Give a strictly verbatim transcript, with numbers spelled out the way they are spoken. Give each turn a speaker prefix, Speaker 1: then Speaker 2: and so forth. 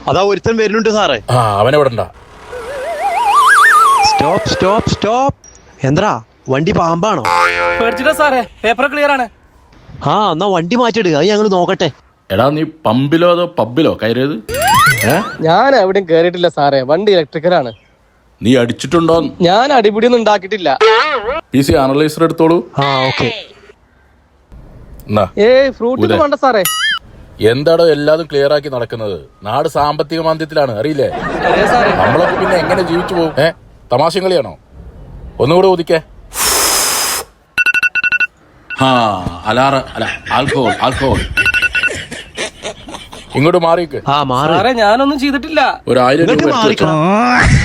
Speaker 1: അതാ ഒരുത്തൻ വരുന്നുണ്ട് സാറേ.
Speaker 2: ആ അവനെ വിടണ്ട.
Speaker 1: Stop stop stop. എന്താ വണ്ടി പാമ്പാണോ?
Speaker 3: പേടിച്ചിട്ടാ സാറേ, പേപ്പർ ക്ലിയർ ആണ്.
Speaker 1: ആ എന്നാ വണ്ടി മാറ്റിയിടുക, അത് ഞങ്ങൾ നോക്കട്ടെ.
Speaker 2: എടാ നീ പമ്പിലോ അതോ പബ്ബിലോ കയറിയത്?
Speaker 3: ഞാൻ എവിടെയും കേറിയിട്ടില്ല സാറേ, വണ്ടി ഇലക്ട്രിക്കലാണ്.
Speaker 2: നീ അടിച്ചിട്ടുണ്ടോ?
Speaker 3: ഞാൻ അടിപിടിയൊന്നും ഉണ്ടാക്കിയിട്ടില്ല.
Speaker 2: പി സി അനലൈസർ എടുത്തോളൂ.
Speaker 1: ആ ഓക്കെ.
Speaker 3: ഏയ് ഫ്രൂട്ട് വേണ്ട സാറേ.
Speaker 2: എന്താടോ എല്ലാതും ക്ലിയർ ആക്കി നടക്കുന്നത്? നാട് സാമ്പത്തിക മാന്ദ്യത്തിലാണ്, അറിയില്ലേ? നമ്മളൊക്കെ പിന്നെ എങ്ങനെ ജീവിച്ചു പോകും? ഏ തമാശ കളിയാണോ? ഒന്നുകൂടെ ഊതിക്കേ. ആ അലാറ അല്ല ആൽക്കോൾ ആൽക്കോൾ. ഇങ്ങോട്ട് മാറിക്ക്.
Speaker 1: ആ മാറി.
Speaker 3: ഞാനൊന്നും ചെയ്തിട്ടില്ല.
Speaker 2: ഒരു ആയിരം രൂപ എടുത്ത് വെച്ചോ.